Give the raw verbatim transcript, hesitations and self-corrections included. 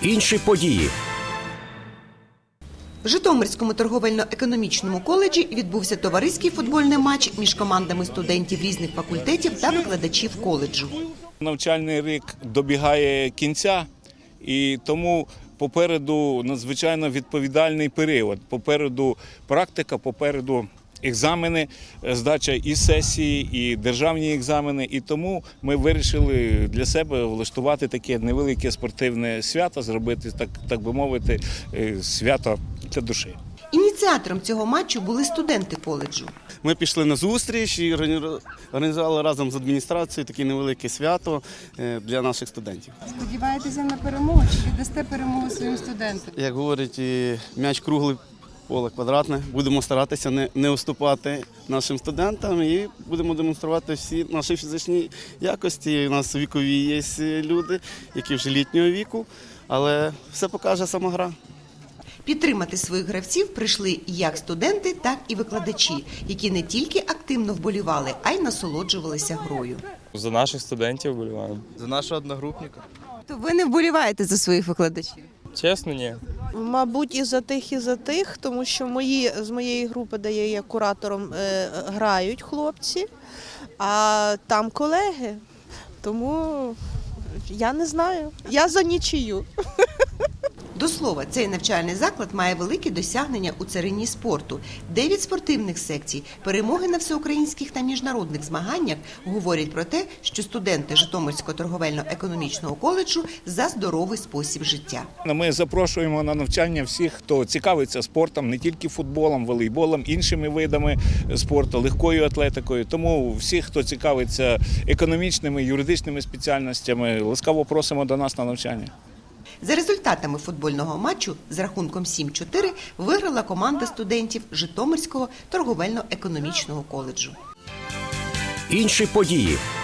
Інші події. В Житомирському торговельно-економічному коледжі відбувся товариський футбольний матч між командами студентів різних факультетів та викладачів коледжу. Навчальний рік добігає кінця, і тому попереду надзвичайно відповідальний період. Попереду практика, попереду екзамени, здача і сесії, і державні екзамени. І тому ми вирішили для себе влаштувати таке невелике спортивне свято, зробити, так, так би мовити, свято для душі. Ініціатором цього матчу були студенти коледжу. Ми пішли на зустріч і організували разом з адміністрацією таке невелике свято для наших студентів. Сподіваєтеся на перемогу чи віддасте перемогу своїм студентам? Як говорять, м'яч круглий, поле квадратне. Будемо старатися не, не уступати нашим студентам і будемо демонструвати всі наші фізичні якості. У нас вікові є люди, які вже літнього віку, але все покаже сама гра. Підтримати своїх гравців прийшли як студенти, так і викладачі, які не тільки активно вболівали, а й насолоджувалися грою. За наших студентів вболіваємо. За нашого одногрупника. То ви не вболіваєте за своїх викладачів? Чесно, ні. Мабуть, і за тих, і за тих, тому що мої, з моєї групи, де я є куратором, е, грають хлопці, а там колеги, тому я не знаю, я за нічию. До слова, цей навчальний заклад має великі досягнення у царині спорту. Дев'ять спортивних секцій, перемоги на всеукраїнських та міжнародних змаганнях говорять про те, що студенти Житомирського торговельно-економічного коледжу за здоровий спосіб життя. Ми запрошуємо на навчання всіх, хто цікавиться спортом, не тільки футболом, волейболом, іншими видами спорту, легкою атлетикою. Тому всіх, хто цікавиться економічними, юридичними спеціальностями, ласкаво просимо до нас на навчання. За результатами футбольного матчу з рахунком сім чотири виграла команда студентів Житомирського торговельно-економічного коледжу. Інші події.